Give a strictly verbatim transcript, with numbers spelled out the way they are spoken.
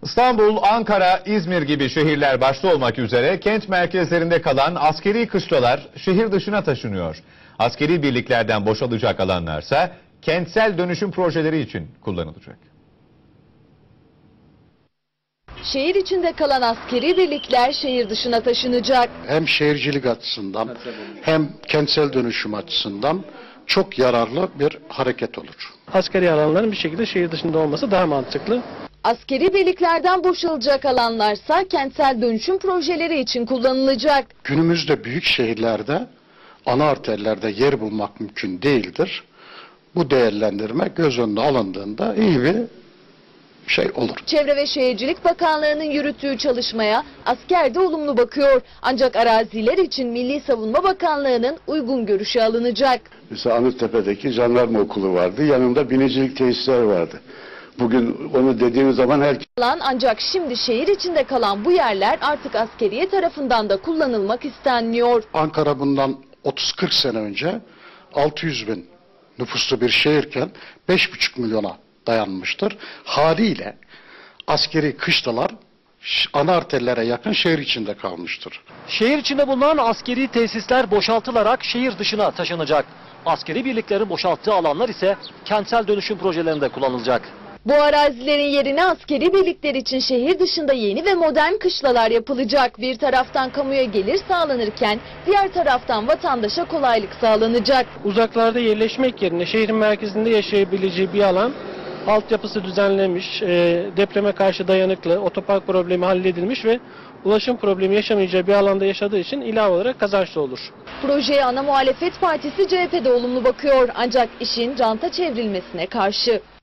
İstanbul, Ankara, İzmir gibi şehirler başta olmak üzere kent merkezlerinde kalan askeri kışlalar şehir dışına taşınıyor. Askeri birliklerden boşalacak alanlarsa kentsel dönüşüm projeleri için kullanılacak. Şehir içinde kalan askeri birlikler şehir dışına taşınacak. Hem şehircilik açısından hem kentsel dönüşüm açısından çok yararlı bir hareket olur. Askeri alanların bir şekilde şehir dışında olması daha mantıklı. Askeri birliklerden boşalacak alanlarsa kentsel dönüşüm projeleri için kullanılacak. Günümüzde büyük şehirlerde ana arterlerde yer bulmak mümkün değildir. Bu değerlendirme göz önüne alındığında iyi bir şey olur. Çevre ve Şehircilik Bakanlığı'nın yürüttüğü çalışmaya asker de olumlu bakıyor. Ancak araziler için Milli Savunma Bakanlığı'nın uygun görüşü alınacak. Mesela Anıttepe'deki jandarma okulu vardı. Yanında binicilik tesisler vardı. Bugün onu dediğimiz zaman herkes... Ancak şimdi şehir içinde kalan bu yerler artık askeriye tarafından da kullanılmak istenmiyor. Ankara bundan otuz kırk sene önce altı yüz bin nüfuslu bir şehirken beş buçuk milyona dayanmıştır. Haliyle askeri kışlalar ana arterlere yakın şehir içinde kalmıştır. Şehir içinde bulunan askeri tesisler boşaltılarak şehir dışına taşınacak. Askeri birliklerin boşalttığı alanlar ise kentsel dönüşüm projelerinde kullanılacak. Bu arazilerin yerine askeri birlikler için şehir dışında yeni ve modern kışlalar yapılacak. Bir taraftan kamuya gelir sağlanırken diğer taraftan vatandaşa kolaylık sağlanacak. Uzaklarda yerleşmek yerine şehrin merkezinde yaşayabileceği bir alan, altyapısı düzenlenmiş, depreme karşı dayanıklı, otopark problemi halledilmiş ve ulaşım problemi yaşamayacağı bir alanda yaşadığı için ilave olarak kazançlı olur. Projeye ana muhalefet partisi C H P'de olumlu bakıyor ancak işin ranta çevrilmesine karşı.